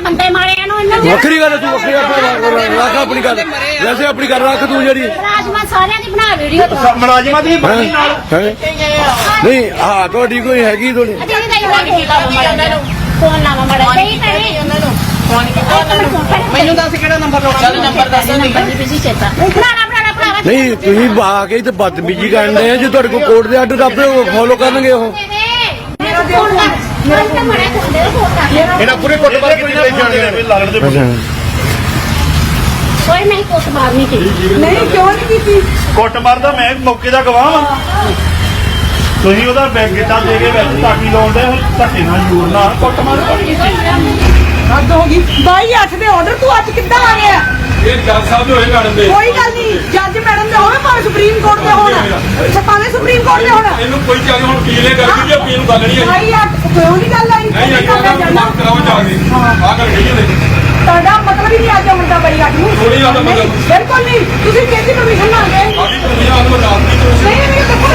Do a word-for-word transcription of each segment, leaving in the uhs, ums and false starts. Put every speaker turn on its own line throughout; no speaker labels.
ਬੰਦੇ ਮਾਰੇ ਇਹਨੂੰ
ਵੱਖਰੀ ਗੱਲ ਤੂੰ ਵੱਖਰੀ ਰੱਖ ਆਪਣੀ ਗੱਲ ਵੈਸੇ ਆਪਣੀ ਗੱਲ ਰੱਖ ਤੂੰ ਜਿਹੜੀ
ਮੁਲਾਜ਼ਮਾਂ ਸਾਰਿਆਂ ਦੀ ਬਣਾ ਵੀਡੀਓ
ਮੁਲਾਜ਼ਮਾਂ ਦੀ ਬਣੀ ਨਾਲ
ਨਹੀਂ ਹਾਂ ਤੁਹਾਡੀ ਕੋਈ ਹੈਗੀ ਤੁਹਾਡੀ
ਫੋਨ ਲਾਵਾ ਮੜਾ ਸਹੀ ਕਰੇ ਉਹਨਾਂ ਨੂੰ
ਮੈਨੂੰ ਦੱਸ ਕਿਹੜਾ ਨੰਬਰ ਲਾਉਣਾ ਚੱਲ ਨੰਬਰ ਦੱਸ
ਨੰਬਰ ਬਿਜੀ ਚੇਤਾ ਬਣਾਣਾ ਬਣਾਣਾ ਭਰਾਵਾ
ਨਹੀਂ ਤੁਸੀਂ ਆ ਕੇ ਤੇ ਬਦਤਮੀਜੀ ਕਰਦੇ ਆ ਜੇ ਤੁਹਾਡੇ ਕੋਲ ਕੋਰਟ ਦੇ ਆਰਡਰ ਆਪੇ ਫੋਲੋ ਕਰਨਗੇ ਉਹ
ਮੇਰਾ ਫੋਨ ਲਾ ਮੇਰਾ ਫੋਨ ਮੜਾ ਖੋਲੇ ਫੋਨ ਕਰ
ਇਹਨਾਂ ਪੂਰੇ ਕੁੱਟ ਮਾਰ ਕੇ ਲੈ ਜਾਣਗੇ ਲੜਨ ਦੇ
ਕੋਈ ਨਹੀਂ ਕੁੱਟ ਮਾਰਨੀ ਕੀ
ਨਹੀਂ ਕਿਉਂ ਨਹੀਂ ਕੀਤੀ
ਕੁੱਟ ਮਾਰਦਾ ਮੈਂ ਮੌਕੇ ਦਾ ਗਵਾਹ ਵਾਂ ਤੁਸੀਂ ਉਹਦਾ ਬੈਗ ਗਿੱਟਾ ਦੇ ਕੇ ਵਿੱਚ ਤਾਕੀ ਲਾਉਂਦੇ ਧੱਕੇ ਨਾਲ ਜੂਰ ਨਾਲ ਕੁੱਟ ਮਾਰ ਕੀਤੀ
ਹੱਦ ਹੋ ਗਈ ਬਾਈ ਅੱਠ ਦੇ ਆਰਡਰ ਤੂੰ ਅੱਜ ਕਿੱਦਾਂ ਆ ਗਿਆ
ਇਹ ਜੱਜ ਸਾਹਿਬ ਦੇ ਹੋਏ ਮੈਡਮ ਦੇ
ਕੋਈ ਗੱਲ ਨਹੀਂ ਜੱਜ ਮੈਡਮ ਦੇ ਹੋਵੇ ਭਾਵੇਂ ਸੁਪਰੀਮ ਕੋਰਟ ਦੇ ਹੋਣ ਭਾਵੇਂ ਸੁਪਰੀਮ ਕੋਰਟ ਦੇ ਹੋਣ
ਇਹਨੂੰ ਕੋਈ ਚੱਲ ਹੁਣ ਪੀਲੇ ਕਰ ਦਿੱਤੀ ਪੀਣ ਨੂੰ ਗੱਲ ਨਹੀਂ ਆਈ
ਬਾਈ ਅੱਠ ਕਿਉਂ ਨਹੀਂ ਗੱਲ ਆਈ
ਨਹੀਂ ਆਈ ਉਹਦਾ ਮਾਫ ਕਰਾਓ ਜਾ ਕੇ ਆ ਕਰ ਗਈ ਨੇ
ਤੁਹਾਡਾ ਮਤਲਬ ਹੀ ਨਹੀਂ ਅੱਜ ਹੁੰਦਾ ਬਾਈ ਅੱਠ ਨੂੰ
ਥੋੜੀ ਜ਼ਿਆਦਾ ਮਤਲਬ
ਬਿਲਕੁਲ ਨਹੀਂ ਤੁਸੀਂ ਕਿਹਦੀ ਪਰਮਿਸ਼ਨ ਮੰਗਦੇ
ਆਦੀ ਦੁਨੀਆ ਨੂੰ ਰਾਤ ਦੀ ਤੁਸੀਂ
ਨਹੀਂ ਨਹੀਂ ਦੇਖੋ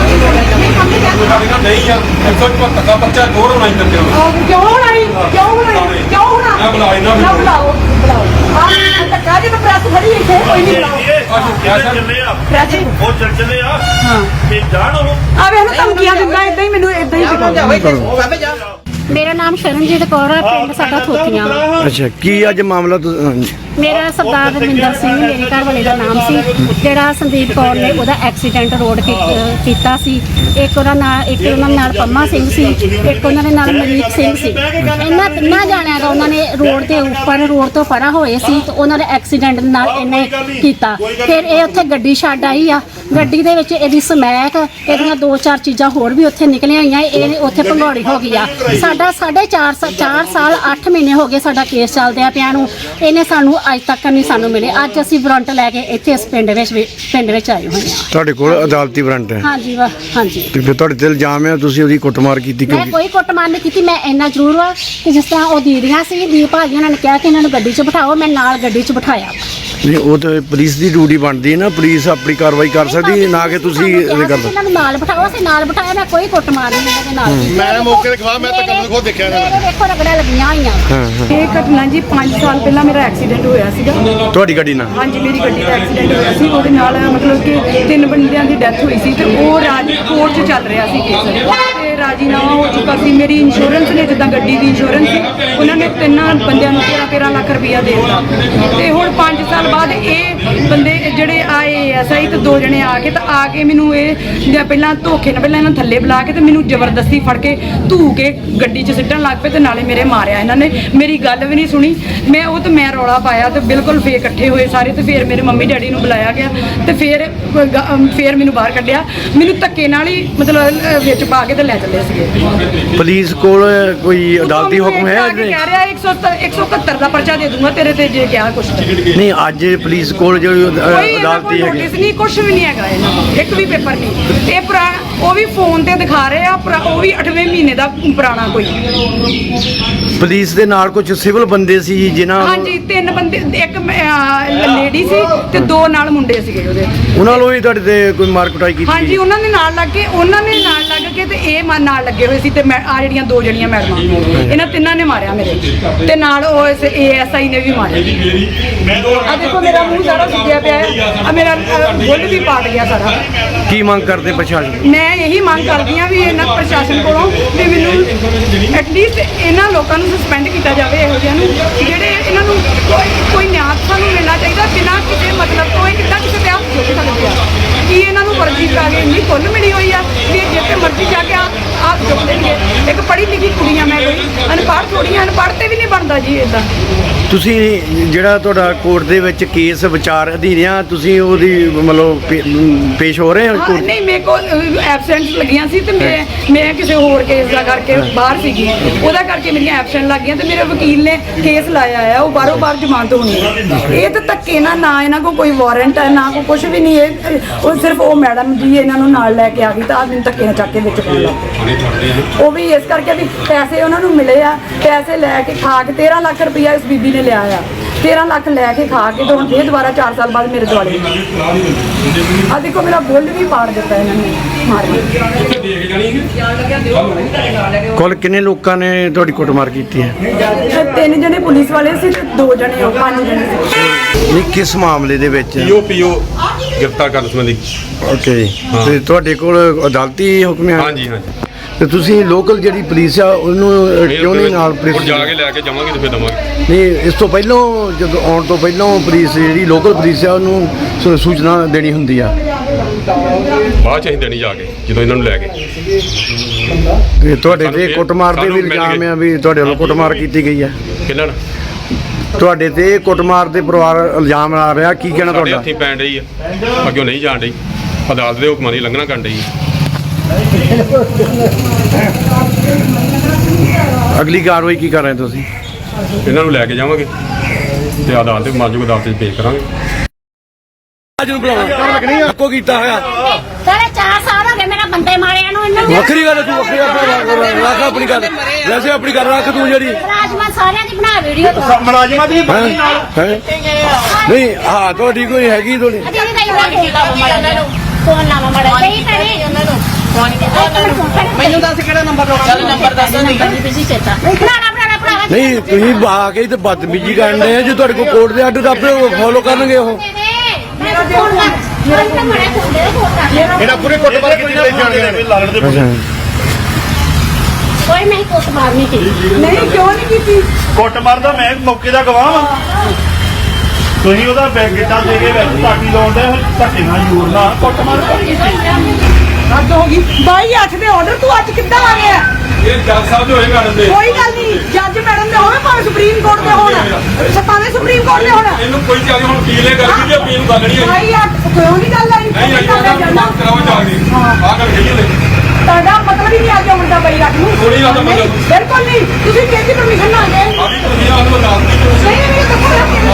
ਨਹੀਂ ਕੰਮ
ਸਾਡੇ ਨਾਲ ਨਹੀਂ ਆ ਇੱਕ ਸੌ ਪਚੱਤਰ ਦਾ ਬੱਚਾ ਦੋੜ ਹੋਣਾ ਇੰਦਰ ਕਿਉਂ
ਕਿਉਂ ਹੋਣੀ ਕਿਉਂ ਹੋਣੀ ਕਿਉਂ ਹੋਣਾ
ਨਾ ਬੁਲਾਈ ਨਾ
ਨਾ ਬੁਲਾਓ ਬੁਲਾਓ ਆ ਧੱਕਾ ਜੇ ਪ੍ਰੈਸ ਖੜੀ ਇੱਥੇ ਕੋਈ ਨਹੀਂ ਬੁਲਾਓ
ਅੱਜ ਕਿਆ ਸਰ
ਚੱਲੇ ਆ
ਪ੍ਰੈਸ
ਉਹ ਚੱਲ ਚੱਲੇ ਆ
ਹਾਂ
ਤੇ ਜਾਣ ਉਹ
ਆ ਵੇ ਇਹਨੂੰ ਧਮਕੀਆਂ ਦਿੰਦਾ ਇਦਾਂ ਹੀ ਮੈਨੂੰ ਇਦਾਂ ਹੀ ਦਿਖਾਉਂਦਾ
ਮੇਰਾ ਨਾਮ ਸ਼ਰਨਜੀਤ ਕੌਰ ਹੈ ਪਿੰਡ ਸਾਡਾ ਥੋਥੀਆਂ
ਅੱਛਾ ਕੀ ਅੱਜ ਮਾਮਲਾ
ਮੇਰਾ ਸਰਦਾਰ ਰਵਿੰਦਰ ਸਿੰਘ ਮੇਰੇ ਘਰ ਵਾਲੇ ਦਾ ਨਾਮ ਸੀ ਜਿਹੜਾ ਸੰਦੀਪ ਕੌਰ ਨੇ ਉਹਦਾ ਐਕਸੀਡੈਂਟ ਰੋਡ ਕੀਤਾ ਸੀ ਇੱਕ ਉਹਨਾਂ ਨਾਲ ਇੱਕ ਉਹਨਾਂ ਨਾਲ ਪੰਮਾ ਸਿੰਘ ਸੀ ਇੱਕ ਉਹਨਾਂ ਦੇ ਨਾਲ ਮਨੀਤ ਸਿੰਘ ਸੀ ਇਹਨਾਂ ਤਿੰਨਾਂ ਜਾਣਿਆਂ ਦਾ ਉਹਨਾਂ ਨੇ ਰੋਡ ਦੇ ਉੱਪਰ ਰੋਡ ਤੋਂ ਪਰਾਂ ਹੋਏ ਸੀ ਤੇ ਉਹਨਾਂ ਦੇ ਐਕਸੀਡੈਂਟ ਨਾਲ ਇਹਨੇ ਕੀਤਾ ਫਿਰ ਇਹ ਉੱਥੇ ਗੱਡੀ ਛੱਡ ਆਈ ਆ ਗੱਡੀ ਦੇ ਵਿੱਚ ਇਹਦੀ ਸਮੈਕ ਇਹਦੀਆਂ ਦੋ ਚਾਰ ਚੀਜ਼ਾਂ ਹੋਰ ਵੀ ਉੱਥੇ ਨਿਕਲੀਆਂ ਆਈਆਂ ਇਹ ਉੱਥੇ ਭੰਗੌੜੀ ਹੋ ਗਈ ਆ ਸਾਡਾ ਸਾਢੇ ਚਾਰ ਚਾਰ ਸਾਲ ਅੱਠ ਮਹੀਨੇ ਹੋ ਗਏ ਸਾਡਾ ਕੇਸ ਚੱਲਦਿਆਂ ਪਿਆ ਨੂੰ ਇਹਨੇ ਸਾਨੂੰ ਅੱਜ ਤੱਕ ਨਹੀਂ ਸਾਨੂੰ ਮਿਲੇ ਅੱਜ ਅਸੀਂ ਵਾਰੰਟ ਲੈ ਕੇ ਇੱਥੇ ਇਸ ਪਿੰਡ ਵਿੱਚ ਪਿੰਡ ਵਿੱਚ ਆਏ ਹੋਏ ਹਾਂ
ਤੁਹਾਡੇ ਕੋਲ ਅਦਾਲਤੀ ਵਾਰੰਟ ਹੈ
ਹਾਂਜੀ ਵਾ ਹਾਂਜੀ
ਤੇ ਫਿਰ ਤੁਹਾਡੇ ਤੇ ਇਲਜ਼ਾਮ ਹੈ ਤੁਸੀਂ ਉਹਦੀ ਕੁੱਟਮਾਰ ਕੀਤੀ
ਮੈਂ
ਕਿਉਂਕਿ
ਕੋਈ ਕੁੱਟਮਾਰ ਨਹੀਂ ਕੀਤੀ ਮੈਂ ਇੰਨਾ ਜ਼ਰੂਰ ਵਾ ਕਿ ਜਿਸ ਤਰ੍ਹਾਂ ਉਹ ਦੀਦੀਆਂ ਸੀ ਦੀਪ ਭਾਜੀ ਉਹਨਾਂ ਨੇ ਕਿਹਾ ਕਿ ਇਹਨਾਂ ਨੂੰ ਗੱਡੀ 'ਚ ਬਿਠਾਓ ਮੈਂ ਨਾਲ ਗੱਡੀ 'ਚ ਬਿਠਾਇਆ
ਨਹੀਂ ਉਹ ਤਾਂ ਪੁਲਿਸ ਦੀ ਡਿਊਟੀ ਬਣਦੀ ਹੈ ਨਾ ਪੁਲਿਸ ਆਪਣੀ ਕਾਰਵਾਈ ਕਰ ਸਕਦੀ ਨਾ ਕਿ ਤੁਸੀਂ ਇਹ ਕਰ ਸਕਦੇ
ਇਹਨਾਂ ਨੂੰ ਨਾਲ ਬਿਠਾਓ ਅਸੀਂ ਨਾਲ ਬਿਠਾਇਆ ਮੈਂ ਕੋਈ ਕੁੱਟਮਾਰ ਨਹੀਂ ਇਹਦੇ ਨਾਲ
ਮੈਂ ਮੌਕੇ ਤੇ ਖਵਾ ਮੈਂ ਤਾਂ ਕਦੋਂ ਖੁਦ ਦੇਖਿਆ
ਮੇਰੇ ਦੇਖੋ ਰਗੜਾਂ ਲੱਗੀਆਂ ਹੋਈਆਂ
ਹਾਂ ਹਾਂ
ਇਹ ਘਟਨਾ ਜੀ ਪੰਜ ਸਾਲ ਪਹਿਲਾਂ ਮੇਰਾ ਐਕਸੀਡੈਂਟ ਹੋਇਆ ਸੀਗਾ
ਤੁਹਾਡੀ ਗੱਡੀ ਨਾਲ
ਹਾਂਜੀ ਮੇਰੀ ਗੱਡੀ ਦਾ ਐਕਸੀਡੈਂਟ ਹੋਇਆ ਸੀ ਉਹਦੇ ਨਾਲ ਮਤਲਬ ਕਿ ਤਿੰਨ ਬੰਦਿਆਂ ਦੀ ਡੈਥ ਹੋਈ ਸੀ ਤੇ ਉਹ ਰਾਜੀ ਕੋਰਟ 'ਚ ਚੱਲ ਰਿਹਾ ਸੀ ਕੇਸ ਤੇ ਰਾਜੀਨਾਮਾ ਹੋ ਚੁੱਕਾ ਸੀ ਮੇਰੀ ਇੰਸ਼ੋਰੈਂਸ ਨੇ ਜਿੱਦਾਂ ਗੱਡੀ ਦੀ ਇੰਸ਼ੋਰੈਂਸ ਸੀ ਉਹਨਾਂ ਨੇ ਤਿੰਨਾਂ ਬੰਦਿਆਂ ਨੂੰ ਤੇਰਾਂ ਤੇਰਾਂ ਲੱਖ ਰੁਪਈਆ ਦੇ ਦਿੱਤਾ ਤੇ ਹੁਣ ਪੰਜ ਸਾਲ ਬਾਅਦ ਇਹ ਬੰਦੇ ਜਿਹੜੇ ਆਏ ਐਸਆਈ ਤੇ ਦੋ ਜਣੇ ਆ ਕੇ ਤਾਂ ਆ ਕੇ ਮੈਨੂੰ ਇਹ ਜਾਂ ਪਹਿਲਾਂ ਧੋਖੇ ਨਾਲ ਪਹਿਲਾਂ ਇਹਨਾਂ ਥੱਲੇ ਬੁਲਾ ਕੇ ਤੇ ਮੈਨੂੰ ਜ਼ਬਰਦਸਤੀ ਫੜ ਕੇ ਧੂ ਕੇ ਗੱਡੀ 'ਚ ਸਿੱਟਣ ਲੱਗ ਪਏ ਤੇ ਨਾਲੇ ਮੇਰੇ ਮਾਰਿਆ ਇਹਨਾਂ ਨੇ ਮੇਰੀ ਗੱਲ ਵੀ ਨਹੀਂ ਸੁਣੀ ਮੈਂ ਉਹ ਤੇ ਮੈਂ ਰੌਲਾ ਪਾਇਆ ਤੇ ਬਿਲਕੁਲ ਫੇਰ ਇਕੱਠੇ ਹੋਏ ਸਾਰੇ ਤੇ ਫਿਰ ਮੇਰੇ ਮੰਮੀ ਡੈਡੀ ਨੂੰ ਬੁਲਾਇਆ ਗਿਆ ਤੇ ਫਿਰ ਫਿਰ ਮੈਨੂੰ ਬਾਹਰ ਕੱਢਿਆ ਮੈਨੂੰ ਧੱਕੇ ਨਾਲ ਹੀ ਮਤਲਬ ਵਿੱਚ ਪਾ ਕੇ ਤੇ ਲੈ ਚੱਲੇ ਸੀਗੇ
ਪੁਲਿਸ ਕੋਲ ਕੋਈ ਅਦਾਲਤੀ ਹੁਕਮ ਹੈ ਅੱਜ
ਕਹਿ ਰਿਹਾ ਇੱਕ ਸੌ ਇਕਹੱਤਰ ਦਾ ਪਰਚਾ ਦੇ ਦੂੰਗਾ ਤੇਰੇ ਤੇ ਜੇ ਕਿਹਾ ਕੁਛ
ਨਹੀਂ ਅੱਜ ਪੁਲਿਸ ਕੋਲ ਜਿਹੜੀ ਅਦਾਲਤੀ ਹੈਗੀ
ਨੋਟਿਸ ਨਹੀਂ ਕੁਛ ਵੀ ਨਹੀਂ ਹੈਗਾ ਇਹਨਾਂ ਕੋਲ ਇੱਕ ਵੀ ਪੇਪਰ ਨਹੀਂ ਇਹ ਪੁਰਾਣਾ ਉਹ ਵੀ ਫੋਨ ਤੇ ਦਿਖਾ ਰਹੇ ਆ ਉਹ ਵੀ ਅੱਠਵੇਂ ਮਹੀਨੇ ਦਾ ਪੁਰਾਣਾ ਕੋਈ
ਪੁਲਿਸ ਦੇ ਨਾਲ ਕੁਝ ਸਿਵਲ ਬੰਦੇ ਸੀ ਜਿਨ੍ਹਾਂ
ਹਾਂਜੀ ਤਿੰਨ ਬੰਦੇ ਇੱਕ ਲੇਡੀ ਸੀ ਤੇ ਦੋ ਨਾਲ ਮੁੰਡੇ ਸੀਗੇ ਉਹਦੇ
ਉਹਨਾਂ ਨੂੰ ਵੀ ਤੁਹਾਡੇ ਤੇ ਕੋਈ ਮਾਰ ਕੁਟਾਈ ਕੀਤੀ
ਹਾਂਜੀ ਉਹਨਾਂ ਦੇ ਨਾਲ ਲੱਗ ਕੇ ਉਹਨਾਂ ਨੇ ਨਾਲ ਲੱਗ ਕੇ ਤੇ ਇਹ ਨਾਲ ਲੱਗੇ ਹੋਏ ਸੀ ਤੇ ਆ ਜਿਹੜੀਆਂ ਦੋ ਜਣੀਆਂ ਮੈਡਮਾਂ ਇਹਨਾਂ ਤਿੰਨਾਂ ਨੇ ਮਾਰਿਆ ਮੇਰੇ ਤੇ ਨਾਲ ਉਹ ਏਐਸਆਈ ਨੇ ਵੀ ਮਾਰਿਆ ਆ ਦੇਖੋ ਮੇਰਾ ਮੂੰਹ ਸਾਰਾ ਸੁੱਜਿਆ ਪਿਆ ਹੈ ਆ ਮੇਰਾ ਬੁੱਲ ਵੀ ਪਾਟ ਗਿਆ ਸਾਰਾ
ਕੀ ਮੰਗ ਕਰਦੇ ਪ੍ਰਸ਼ਾਸਨ
ਮੈਂ ਇਹੀ ਮੰਗ ਕਰਦੀ ਆ ਵੀ ਇਹਨਾਂ ਪ੍ਰਸ਼ਾਸਨ ਕੋਲੋਂ ਵੀ ਮੈਨੂੰ ਐਟਲੀਸਟ ਇਹਨਾਂ ਲੋਕਾਂ ਨੂੰ ਸਸਪੈਂਡ ਕੀਤਾ ਜਾਵੇ ਇਹੋ ਜਿਹਿਆਂ ਨੂੰ ਜਿਹੜੇ ਇਹਨਾਂ ਨੂੰ ਕੋਈ ਕੋਈ ਨਿਆਂ ਸਾਨੂੰ ਮਿਲਣਾ ਚਾਹੀਦਾ ਬਿਨਾਂ ਕਿਸੇ ਮਤਲਬ ਤੋਂ ਇਹ ਕਿੱਦਾਂ ਕਿਸੇ ਤੇ ਹੱਥ ਚੁੱਕ ਸਕਦੇ ਆ ਕੀ ਇਹਨਾਂ ਨੂੰ ਵਰਜੀ ਕਰਾ ਕੇ ਇੰਨੀ ਖੁੱਲ੍ਹ ਮਿਲੀ ਹੋਈ ਆ ਵੀ ਜਿੱਥੇ ਮਰਜ਼ੀ ਜਾ ਕੇ ਆਪ ਚੁੱਕ ਦੇਣਗੇ ਇੱਕ ਪੜ੍ਹੀ ਲਿਖੀ ਕੁੜੀਆਂ ਮੈਂ ਕੋਈ ਅਨਪੜ੍ਹ ਥੋੜ੍ਹੀਆਂ ਅਨਪੜ੍ਹ ਤੇ ਵੀ ਨਹੀਂ ਬਣਦਾ ਜੀ ਇੱਦਾਂ
ਤੁਸੀਂ ਜਿਹੜਾ ਤੁਹਾਡਾ ਕੋਰਟ ਦੇ ਵਿੱਚ ਕੇਸ ਵਿਚਾਰ ਅਧੀਨ ਆ ਤੁਸੀਂ ਉਹਦੀ ਮਤਲਬ ਪੇਸ਼ ਹੋ ਰਹੇ ਹੋ
ਹਾਂ ਨਹੀਂ ਮੇਰੇ ਕੋਲ ਐਬਸੈਂਟ ਲੱਗੀਆਂ ਸੀ ਤੇ ਮੈਂ ਮੈਂ ਕਿਸੇ ਹੋਰ ਕੇਸ ਦਾ ਕਰਕੇ ਬਾਹਰ ਸੀਗੀ ਉਹਦਾ ਕਰਕੇ ਮੇਰੀਆਂ ਐਬਸੈਂਟ ਲੱਗ ਗਈਆਂ ਤੇ ਮੇਰੇ ਵਕੀਲ ਨੇ ਕੇਸ ਲਾਇਆ ਆ ਉਹ ਬਾਹਰੋਂ ਬਾਹਰ ਜ਼ਮਾਨਤ ਹੋਣੀ ਹੈ ਇਹ ਤਾਂ ਧੱਕੇ ਨਾਲ ਨਾ ਇਹਨਾਂ ਕੋਲ ਕੋਈ ਵਾਰੰਟ ਹੈ ਨਾ ਕੋਈ ਕੁਝ ਵੀ ਨਹੀਂ ਇਹ ਉਹ ਸਿਰਫ ਉਹ ਮੈਡਮ ਜੀ ਇਹਨਾਂ ਨੂੰ ਨਾਲ ਲੈ ਕੇ ਆ ਗਈ ਤਾਂ ਮੈਨੂੰ ਧੱਕੇ ਨਾਲ ਚੱਕ ਕੇ ਵਿੱਚ ਪਾ ਲਿਆ ਉਹ ਵੀ ਇਸ ਕਰਕੇ ਵੀ ਪੈਸੇ ਉਹਨਾਂ ਨੂੰ ਮਿਲੇ ਆ ਪੈਸੇ ਲੈ ਕੇ ਖਾ ਕੇ ਤੇਰਾਂ ਲੱਖ ਰੁਪਈਆ ਇਸ ਬੀਬੀ ਨੇ ਲਿਆ ਆ ਤੇਰਾਂ ਲੱਖ ਲੈ ਕੇ ਖਾ ਕੇ ਤੇ ਹੁਣ ਫੇਰ ਦੁਬਾਰਾ ਚਾਰ ਸਾਲ ਬਾਅਦ ਮੇਰੇ ਦੁਆਲੇ ਆ ਦੇਖੋ ਮੇਰਾ ਬੁੱਲ ਵੀ ਪਾੜ ਦਿੱਤਾ ਇਹਨਾਂ ਨੇ ਮਾਰ ਕੇ।
ਦੇਖ ਜਾਣੀ
ਕੁੱਲ ਕਿੰਨੇ ਲੋਕਾਂ ਨੇ ਤੁਹਾਡੀ ਕੁੱਟਮਾਰ ਕੀਤੀ ਹੈ?
ਤੇ ਤਿੰਨ ਜਣੇ ਪੁਲਿਸ ਵਾਲੇ ਸੀ ਤੇ ਦੋ ਜਣੇ ਉਹ ਪੰਜ ਜਣੇ ਸੀ।
ਨਹੀਂ, ਕਿਸ ਮਾਮਲੇ ਦੇ ਵਿੱਚ?
ਪੀਓ ਪੀਓ ਗ੍ਰਿਫਤਾਰ ਕਰਨ ਸੰਬੰਧੀ।
ਓਕੇ, ਤੇ ਤੁਹਾਡੇ ਕੋਲ ਅਦਾਲਤੀ ਹੁਕਮ ਹੈ?
ਹਾਂਜੀ ਹਾਂਜੀ।
ਤੇ ਤੁਸੀਂ ਲੋਕਲ ਜਿਹੜੀ ਪੁਲਿਸ ਆ ਉਹਨੂੰ ਅ, ਕਿਉਂ ਨਹੀਂ ਨਾਲ
ਹੁਣ
ਪੁਲਿਸ?
ਜਾ ਕੇ ਲੈ ਕੇ ਜਾਵਾਂਗੇ ਤੇ ਫਿਰ ਦਵਾਂਗੇ।
ਨਹੀਂ, ਇਸ ਤੋਂ ਪਹਿਲਾਂ ਜਦੋਂ ਆਉਣ ਤੋਂ ਪਹਿਲਾਂ ਪੁਲਿਸ ਜਿਹੜੀ ਲੋਕਲ ਪੁਲਿਸ ਆ ਉਹਨੂੰ ਸੂ- ਸੂਚਨਾ ਦੇਣੀ ਹੁੰਦੀ ਆ।
ਬਾਅਦ ਚ ਅਸੀਂ ਦੇਣੀ ਜਾ ਕੇ ਜਦੋਂ ਇਹਨਾਂ ਨੂੰ ਲੈ ਕੇ।
ਤੇ ਤੁਹਾਡੇ
ਸਾਨੂੰ
ਤੇ
ਫਿਰ-
ਕੁੱਟਮਾਰ ਦੇ ਵੀ
ਸਾਨੂੰ ਮਿਲ
ਇਲਜ਼ਾਮ
ਗਏ।
ਆ ਵੀ ਤੁਹਾਡੇ ਵੱਲੋਂ ਕੁੱਟਮਾਰ ਕੀਤੀ ਗਈ ਆ।
ਕਿੰਨਾਂ ਨੂੰ?
ਤੁਹਾਡੇ ਤੇ ਕੁੱਟਮਾਰ ਦੇ ਪਰਿਵਾਰ ਇਲਜ਼ਾਮ ਆ ਰਿਹਾ, ਕੀ ਕਹਿਣਾ
ਸਾਡੇ
ਤੁਹਾਡਾ?
ਹੱਥੀਂ ਪੈਣ ਡਈ ਆ, ਅੱਗੇ ਨਹੀਂ ਜਾਣ ਡਈ। ਅਦਾਲਤ ਦੇ ਹੁਕਮਾਂ ਦੀ ਲੰਘਣਾ ਕਰਨ ਡਈ ਆ।
ਅਗਲੀ ਕਾਰਵਾਈ ਕੀ ਕਰ ਰਹੇ ਤੁਸੀਂ?
ਇਹਨਾਂ ਨੂੰ ਲੈ ਕੇ ਜਾਵਾਂਗੇ ਤੇ ਅਦਾਲਤ ਦੇ ਮਾਜੂਗ ਅਦਾਲਤ 'ਚ ਪੇਸ਼ ਕਰਾਂਗੇ।
ਅੱਜ ਨੂੰ ਬੁਲਾਉਣਾ ਕੋ ਕੀਤਾ ਹੋਇਆ
ਸਾਰੇ ਚਾਰ ਸਾਲ ਹੋ ਗਏ ਮੇਰਾ ਬੰਦੇ ਮਾਰਿਆ ਨੂੰ ਇਹਨਾਂ ਨੂੰ।
ਵੱਖਰੀ ਗੱਲ, ਤੂੰ ਵੱਖਰੀ ਆਪਣੀ ਰੱਖ ਆਪਣੀ ਗੱਲ, ਵੈਸੇ ਆਪਣੀ ਗੱਲ ਰੱਖ ਤੂੰ ਜਿਹੜੀ
ਰਾਜਮਾ ਸਾਰਿਆਂ ਦੀ ਬਣਾ ਵੀਡੀਓ ਤੋਂ
ਮੁਲਾਜ਼ਮਾਂ ਦੀ
ਹੈਂ? ਹੈਂ? ਨਹੀਂ, ਹਾਂ ਤੁਹਾਡੀ ਕੋਈ ਹੈਗੀ ਤੁਹਾਡੀ?
ਅਜੇ ਨਹੀਂ ਨਹੀਂ ਫੋਨ ਲਾਵਾ ਮੜਾ ਨਹੀਂ ਕਰੇ ਉਹਨਾਂ ਨੂੰ
ਮੈਨੂੰ ਦੱਸ ਕਿਹੜਾ ਨੰਬਰ ਲਾਉਣਾ? ਚੱਲ ਨੰਬਰ ਦੱਸ ਨਹੀਂ
ਤੁਸੀਂ ਚੇਤਾ ਬਣਾਣਾ ਬਣਾਣਾ ਭਰਾਵਾ
ਨਹੀਂ, ਤੁਸੀਂ ਬਾ ਕੇ ਤੇ ਬਦਤਮੀਜੀ ਕਰਦੇ ਆ। ਜੇ ਤੁਹਾਡੇ ਕੋਲ ਕੋਰਟ ਦੇ ਆਰਡਰ ਆਪੇ ਫੋਲੋ ਕਰਨਗੇ ਉਹ।
ਮੇਰਾ ਫੋਨ ਲਾ ਮੇਰਾ ਤਾਂ ਮੜਾ ਫੋਨ ਦੇ ਫੋਨ ਕਰ ਲੈ
ਇਹਨਾਂ ਪੂਰੇ ਕੁੱਟਮਾਰ ਕੀਤੀ ਤੇ ਜਾਣਗੇ ਨੇ ਲਾਲੜ ਦੇ
ਅੱਛਾ,
ਕੋਈ ਨਹੀਂ ਕੁੱਟ ਮਾਰਨੀ ਸੀ
ਨਹੀਂ ਕਿਉਂ ਨਹੀਂ ਕੀਤੀ?
ਕੁੱਟਮਾਰ ਦਾ ਮੈਂ ਮੌਕੇ ਦਾ ਗਵਾਹ ਵਾਂ। ਤੁਸੀਂ ਉਹਦਾ ਬੈਗ ਗਿੱਟਾ ਦੇ ਕੇ ਵਿੱਚ ਟਾਕੀ ਲਾਉਂਦੇ ਧੱਕੇ ਨਾਲ ਜ਼ੋਰ ਨਾਲ ਕੁੱਟਮਾਰ ਕੀਤੀ।
ਹੱਦ ਹੋ ਗਈ ਬਾਈ ਅੱਠ ਦੇ ਆਰਡਰ ਤੂੰ ਅੱਜ ਕਿੱਦਾਂ ਆ ਗਿਆ?
ਇਹ ਜੱਜ ਸਾਹਿਬ ਦੇ ਹੋਏ ਕਰਨ ਦੇ।
ਕੋਈ ਗੱਲ ਨਹੀਂ, ਜੱਜ ਮੈਡਮ ਦੇ ਹੋਵੇ ਭਾਵੇਂ ਸੁਪਰੀਮ ਕੋਰਟ ਦੇ ਹੋਣ, ਭਾਵੇਂ ਸੁਪਰੀਮ ਕੋਰਟ ਦੇ ਹੋਣ।
ਇਹਨੂੰ ਕੋਈ ਚੱਲ ਹੁਣ ਪੀਲੇ ਕਰਦੀ ਤੇ ਪੀਣ ਗੱਲ ਨਹੀਂ ਹੈ।
ਬਾਈ ਅੱਠ ਕਿਉਂ ਨਹੀਂ ਗੱਲ ਆਈ?
ਨਹੀਂ ਆਈ
ਗੱਲ ਆਈ ਜਾਂਦਾ।
ਕਰਾਓ ਜਾ ਕੇ। ਆਹ ਗੱਲ ਕਹੀ ਉਹਨੇ।
ਤੁਹਾਡਾ ਮਤਲਬ ਹੀ ਨਹੀਂ ਅੱਜ ਆਉਣ ਦਾ ਬਾਈ ਅੱਠ ਨੂੰ।
ਥੋੜ੍ਹੀ ਗੱਲ ਦਾ ਮਤਲਬ।
ਬਿਲਕੁਲ ਨਹੀਂ, ਤੁਸੀਂ ਕਿਹਦੀ ਪਰਮਿਸ਼ਨ ਨਾਲ ਗਏ?
ਆ ਵੀ ਤੁਸੀਂ ਆਹ ਨੂੰ ਦੱਸ ਦਿਓ।
ਨਹੀਂ ਨਹੀਂ ਦੱਸੋ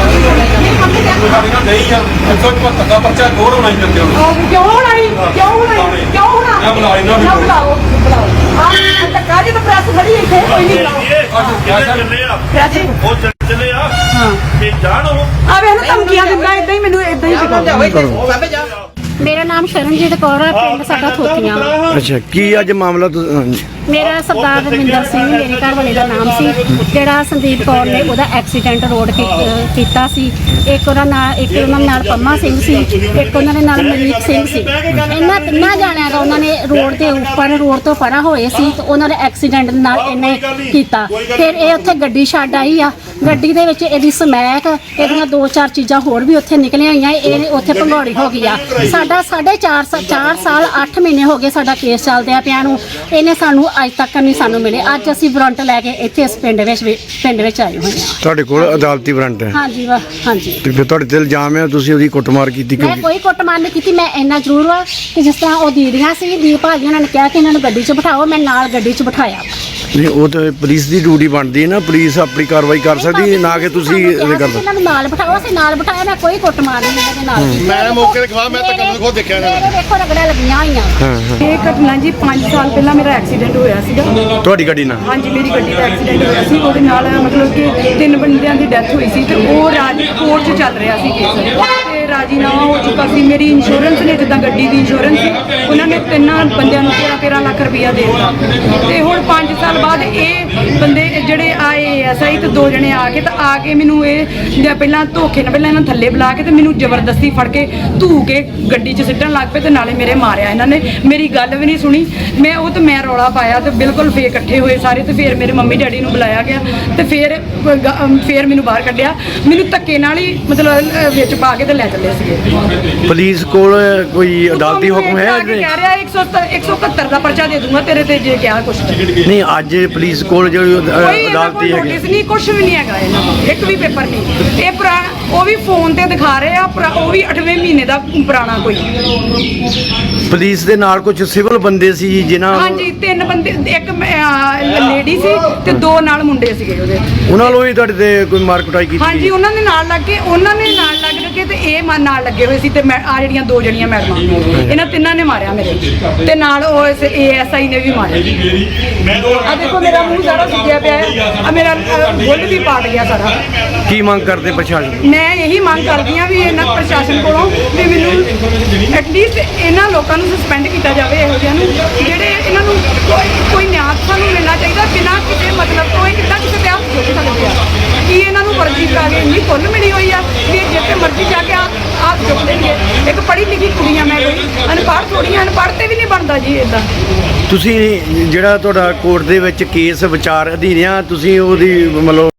ਨਹੀਂ ਮੰਮੀ
ਕੋਈ ਸਾਡੇ ਨਾਲ ਨਹੀਂ ਆ। ਇੱਕ ਸੌ ਪਚੱਤਰ ਦਾ ਪਰਚਾ ਦੋ ਹੋਣਾ ਹੀ ਕਰਦੇ ਹੋ।
ਕਿਉਂ ਹੋਣਾ ਨਹੀਂ? ਕਿਉਂ ਹੋਣਾ ਨਹੀਂ? ਕਿਉਂ ਹੋਣਾ?
ਮੈਂ ਬੁਲਾ ਲੈਂਦਾ ਵੀ।
ਨਾ ਬੁਲਾਓ ਬੁਲਾਓ ਆਹ ਟੱਕਾ ਜੇ ਤਾਂ ਪ੍ਰੈਸ ਖੜੀ ਇੱਥੇ ਕੋਈ ਨਹੀਂ ਬੁਲਾਓ
ਚੱਲੇ ਆ
ਪ੍ਰੈਸ
ਉਹ ਚੱਲ- ਚੱਲੇ ਆ ਤੇ ਜਾਣ ਉਹ
ਆ ਵੇਖ ਨਾ ਧਮਕੀਆਂ ਦਿੰਦਾ ਇਦਾਂ ਹੀ ਮੈਨੂੰ ਇਦਾਂ ਹੀ ਸਿਖਾਉਂਦਾ।
ਮੇਰਾ ਨਾਮ ਸ਼ਰਨਜੀਤ ਕੌਰ ਹੈ, ਪਿੰਡ ਸਾਡਾ ਥੋਤੀਆਂ ਵਾ।
ਅੱਛਾ, ਕੀ ਅੱਜ ਮਾਮਲਾ ਤੁ- ਹਾਂਜੀ।
ਮੇਰਾ ਸਰਦਾਰ ਰਵਿੰਦਰ ਸਿੰਘ ਮੇਰੇ ਘਰ ਵਾਲੇ ਦਾ ਨਾਮ ਸੀ, ਜਿਹੜਾ ਸੰਦੀਪ ਕੌਰ ਨੇ ਉਹਦਾ ਐਕਸੀਡੈਂਟ ਰੋਡ ਕੀ- ਅਹ ਕੀਤਾ ਸੀ। ਇੱਕ ਉਹਨਾਂ ਨਾਲ ਇੱਕ ਉਹਨਾਂ ਨਾਲ ਪੰਮਾ ਸਿੰਘ ਸੀ, ਇੱਕ ਉਹਨਾਂ ਦੇ ਨਾਲ ਮਲੀਕ ਸਿੰਘ ਸੀ। ਇਹਨਾਂ ਤਿੰਨਾਂ ਜਾਣਿਆਂ ਦਾ ਉਹਨਾਂ ਨੇ ਰੋਡ ਦੇ ਉੱਪਰ ਰੋਡ ਤੋਂ ਪਰਾਂ ਹੋਏ ਸੀ ਤੇ ਉਹਨਾਂ ਦੇ ਐਕਸੀਡੈਂਟ ਨਾਲ ਇਹਨੇ ਕੀਤਾ। ਫਿਰ ਇਹ ਉੱਥੇ ਗੱਡੀ ਛੱਡ ਆਈ ਆ, ਗੱਡੀ ਦੇ ਵਿੱਚ ਇਹਦੀ ਸਮੈਕ, ਇਹਦੀਆਂ ਦੋ ਚਾਰ ਚੀਜ਼ਾਂ ਹੋਰ ਵੀ ਉੱਥੇ ਨਿਕਲੀਆਂ ਹੋਈਆਂ। ਇਹ ਉੱਥੇ ਭੰਗੌੜੀ ਹੋ ਗਈ ਆ। ਸਾਡਾ ਸਾਢੇ ਚਾਰ ਸਾ- ਚਾਰ ਸਾਲ ਅੱਠ ਮਹੀਨੇ ਹੋ ਗਏ ਸਾਡਾ ਕੇਸ ਚੱਲਦਿਆਂ ਪਿਆ ਨੂੰ। ਇਹਨੇ ਸਾਨੂੰ ਅੱਜ ਤੱਕ ਨਹੀਂ ਸਾਨੂੰ ਮਿਲੇ। ਅੱਜ ਅਸੀਂ ਵਾਰੰਟ ਲੈ ਕੇ ਇੱਥੇ ਇਸ ਪਿੰਡ ਵਿੱਚ ਵੀ- ਪਿੰਡ ਵਿੱਚ ਆਏ ਹੋਏ ਹਾਂ।
ਤੁਹਾਡੇ ਕੋਲ ਅਦਾਲਤੀ ਵਾਰੰਟ ਹੈ
ਹਾਂਜੀ ਵਾ ਹਾਂਜੀ।
ਤੇ ਫਿਰ ਤੁਹਾਡੇ ਤੇ ਇਲਜ਼ਾਮ ਹੈ ਤੁਸੀਂ ਉਹਦੀ ਕੁੱਟਮਾਰ ਕੀਤੀ
ਮੈਂ
ਕਿਉਂਕਿ?
ਕੋਈ ਕੁੱਟਮਾਰ ਨਹੀਂ ਕੀਤੀ। ਮੈਂ ਇੰਨਾ ਜ਼ਰੂਰ ਵਾ ਕਿ ਜਿਸ ਤਰ੍ਹਾਂ ਉਹ ਦੀਦੀਆਂ ਸੀ, ਦੀਪ ਭਾਜੀ ਉਹਨਾਂ ਨੇ ਕਿਹਾ ਕਿ ਇਹਨਾਂ ਨੂੰ ਗੱਡੀ 'ਚ ਬਿਠਾਓ, ਮੈਂ ਨਾਲ ਗੱਡੀ 'ਚ ਬਿਠਾਇਆ।
ਨਹੀਂ, ਉਹ ਤਾਂ ਪੁਲਿਸ ਦੀ ਡਿਊਟੀ ਬਣਦੀ ਹੈ ਨਾ, ਪੁਲਿਸ ਆਪਣੀ ਕਾਰਵਾਈ ਕਰ ਸਕਦੀ ਹੈ, ਨਾ ਕਿ ਤੁਸੀਂ ਇਹ ਕਰ
ਇਹਨਾਂ ਨੂੰ ਨਾਲ ਬਿਠਾਓ। ਅਸੀਂ ਨਾਲ ਬਿਠਾਇਆ, ਮੈਂ ਕੋਈ ਕੁੱਟਮਾਰ ਨਹੀਂ ਇਹਦੇ ਨਾਲ ਕੀਤੀ।
ਮੈਂ ਮੌਕੇ ਤੇ ਗਵਾਹ, ਮੈਂ ਤਾਂ ਕਦੋਂ ਖੁਦ ਦੇਖਿਆ ਇਹਨਾਂ ਨੂੰ।
ਮੇਰੇ ਵੇਖੋ ਰਗੜਾਂ ਲੱਗੀਆਂ ਹੋਈਆਂ।
ਹਾਂ ਹਾਂ।
ਇਹ ਘਟਨਾ ਜੀ ਪੰਜ ਸਾਲ ਪਹਿਲਾਂ ਮੇਰਾ ਐਕਸੀਡੈਂਟ ਹੋਇਆ ਸੀਗਾ।
ਤੁਹਾਡੀ ਗੱਡੀ ਨਾਲ?
ਹਾਂਜੀ ਮੇਰੀ ਗੱਡੀ ਦਾ ਐਕਸੀਡੈਂਟ ਹੋਇਆ ਸੀ। ਉਹਦੇ ਨਾਲ ਮਤਲਬ ਕਿ ਤਿੰਨ ਬੰਦਿਆਂ ਦੀ ਡੈਥ ਹੋਈ ਸੀ ਤੇ ਉਹ ਰਾਜੀ ਕੋਰਟ 'ਚ ਚੱਲ ਰਿਹਾ ਸੀ ਕੇਸ ਤੇ ਰਾਜੀਨਾਮਾ ਹੋ ਚੁੱਕਾ ਸੀ। ਮੇਰੀ ਇੰਸ਼ੋਰੈਂਸ ਨੇ ਜਿੱਦਾਂ ਗੱਡੀ ਦੀ ਇੰਸ਼ੋਰੈਂਸ ਸੀ, ਉਹਨਾਂ ਨੇ ਤਿੰਨਾਂ ਬੰਦਿਆਂ ਨੂੰ ਤੇਰਾਂ ਤੇਰਾਂ ਲੱਖ ਰੁਪਈਆ ਦੇ ਦਿੱਤਾ। ਤੇ ਹੁਣ ਪੰਜ ਸਾਲ ਬਾਅਦ ਇਹ ਬੰਦੇ ਜਿਹੜੇ ਆਏ ਐਸ ਆਈ ਤੇ ਦੋ ਜਣੇ ਆ ਕੇ ਤਾਂ ਆ ਕੇ ਮੈਨੂੰ ਇਹ ਜਾਂ ਪਹਿਲਾਂ ਧੋਖੇ ਨਾਲ ਪਹਿਲਾਂ ਇਹਨਾਂ ਥੱਲੇ ਬੁਲਾ ਕੇ ਤੇ ਮੈਨੂੰ ਜ਼ਬਰਦਸਤੀ ਫੜ ਕੇ ਧੂ ਕੇ ਗੱਡੀ 'ਚ ਸਿੱਟਣ ਲੱਗ ਪਏ ਤੇ ਨਾਲੇ ਮੇਰੇ ਮਾਰਿਆ ਇਹਨਾਂ ਨੇ। ਮੇਰੀ ਗੱਲ ਵੀ ਨਹੀਂ ਸੁਣੀ। ਮੈਂ ਉਹ ਤੇ ਮੈਂ ਰੌਲਾ ਪਾਇਆ ਤੇ ਬਿਲਕੁਲ ਫੇਰ ਇਕੱਠੇ ਹੋਏ ਸਾਰੇ ਤੇ ਫਿਰ ਮੇਰੇ ਮੰਮੀ ਡੈਡੀ ਨੂੰ ਬੁਲਾਇਆ ਗਿਆ ਤੇ ਫਿਰ ਫਿਰ ਮੈਨੂੰ ਬਾਹਰ ਕੱਢਿਆ। ਮੈਨੂੰ ਧੱਕੇ ਨਾਲ ਹੀ ਮਤਲਬ ਅਹ, ਵਿੱਚ ਪਾ ਕੇ ਤੇ ਲੈ ਚੱਲੇ ਸੀਗੇ।
ਪੁਲਿਸ ਕੋਲ ਕੋਈ ਅਦਾਲਤੀ ਹੁਕਮ ਹੈ?
ਕਹਿ ਰਿਹਾ ਇੱਕ ਸੌ ਇਕਹੱਤਰ ਦਾ ਪਰਚਾ ਦੇ ਦੂੰਗਾ ਤੇਰੇ ਤੇ ਜੇ ਕਿਹਾ ਕੁਛ।
ਨਹੀਂ, ਅੱਜ ਪੁਲਿਸ ਕੋਲ ਜਿਹੜੀ ਅਦ-
ਕੋਈ ਇਹਨਾਂ ਕੋਲ
ਅਦਾਲਤੀ ਹੈਗੀ?
ਨੋਟਿਸ ਨਹੀਂ, ਕੁਛ ਵੀ ਨਹੀਂ ਹੈਗਾ ਇਹਨਾਂ ਕੋਲ, ਇੱਕ ਵੀ ਪੇਪਰ ਨਹੀਂ। ਇਹ ਪੁਰਾਣਾ ਉਹ ਵੀ ਫੋਨ ਤੇ ਦਿਖਾ ਰਹੇ ਆ, ਪੁਰਾ- ਉਹ ਵੀ ਅੱਠਵੇਂ ਮਹੀਨੇ ਦਾ ਪੁਰਾਣਾ ਕੋਈ।
ਪੁਲਿਸ ਦੇ ਨਾਲ ਕੁਝ ਸਿਵਲ ਬੰਦੇ ਸੀ ਜਿਨ੍ਹਾਂ
ਹਾਂਜੀ ਤਿੰਨ ਬੰਦੇ, ਇੱਕ ਲੇਡੀ ਸੀ ਤੇ ਦੋ ਨਾਲ ਮੁੰਡੇ ਸੀਗੇ ਉਹਦੇ।
ਉਹਨਾਂ ਨੂੰ ਵੀ ਤੁਹਾਡੇ ਤੇ ਕੋਈ ਮਾਰ ਕੁਟਾਈ ਕੀਤੀ?
ਹਾਂਜੀ ਉਹਨਾਂ ਦੇ ਨਾਲ ਲੱਗ ਕੇ ਉਹਨਾਂ ਨੇ ਨਾਲ ਲੱਗ ਕੇ ਤੇ ਇਹ ਮਨ ਨਾਲ ਲੱਗੇ ਹੋਏ ਸੀ ਤੇ ਮੈਂ ਆ ਜਿਹੜੀਆਂ ਦੋ ਜਣੀਆਂ ਮੈਡਮਾਂ ਇਹਨਾਂ ਤਿੰਨਾਂ ਨੇ ਮਾਰਿਆ ਮੇਰੇ ਤੇ ਨਾਲ ਉਹ ਏ ਐਸ ਆਈ ਨੇ ਵੀ ਮਾਰਿਆ। ਆ ਦੇਖੋ ਮੇਰਾ ਮੂੰਹ ਸਾਰਾ ਸੁੱਜਿਆ ਪਿਆ ਹੈ, ਆ ਮੇਰਾ ਅ, ਬੁੱਲ ਵੀ ਪਾਟ ਗਿਆ ਸਾਰਾ।
ਕੀ ਮੰਗ ਕਰਦੇ ਪ੍ਰਸ਼ਾਸਨ?
ਮੈਂ ਇਹੀ ਮੰਗ ਕਰਦੀ ਹਾਂ ਵੀ ਇਹਨਾਂ ਪ੍ਰਸ਼ਾਸਨ ਕੋਲੋਂ ਵੀ ਮੈਨੂੰ ਐਟਲੀਸਟ ਇਹਨਾਂ ਲੋਕਾਂ ਨੂੰ ਸਸਪੈਂਡ ਕੀਤਾ ਜਾਵੇ, ਇਹੋ ਜਿਹਿਆਂ ਨੂੰ ਜਿਹੜੇ ਇਹਨਾਂ ਨੂੰ ਕੋਈ- ਕੋਈ ਨਿਆਂ ਸਾਨੂੰ ਮਿਲਣਾ ਚਾਹੀਦਾ ਬਿਨਾਂ ਕਿਸੇ ਮਤਲਬ ਤੋਂ। ਇਹ ਕਿੱਦਾਂ ਕਿਸੇ ਤੇ ਹੱਥ ਚੁੱਕ ਸਕਦੇ ਆ? ਕੀ ਇਹਨਾਂ ਨੂੰ ਵਰਜੀ ਕਰਾ ਕੇ ਇੰਨੀ ਖੁੱਲ੍ਹ ਮਿਲੀ ਹੋਈ ਆ ਕਿ ਇਹ ਜਿੱਥੇ ਮਰਜ਼ੀ ਜਾ ਕੇ ਹੱਥ ਚੁੱਕ ਦੇਣਗੇ? ਇੱਕ ਪੜ੍ਹੀ ਲਿਖੀ ਕੁੜੀ ਆ ਮੈਂ, ਕੋਈ ਅਨਪੜ੍ਹ ਥੋੜ੍ਹੀ ਆ, ਅਨਪੜ੍ਹ ਤੇ ਵੀ ਨਹੀਂ ਬਣਦਾ ਜੀ ਇਦਾਂ।
ਤੁਸੀਂ ਜਿਹੜਾ ਤੁਹਾਡਾ ਕੋਰਟ ਦੇ ਵਿੱਚ ਕੇਸ ਵਿਚਾਰ ਅਧੀਨ ਆ, ਤੁਸੀਂ ਉਹਦੀ ਮਤਲਬ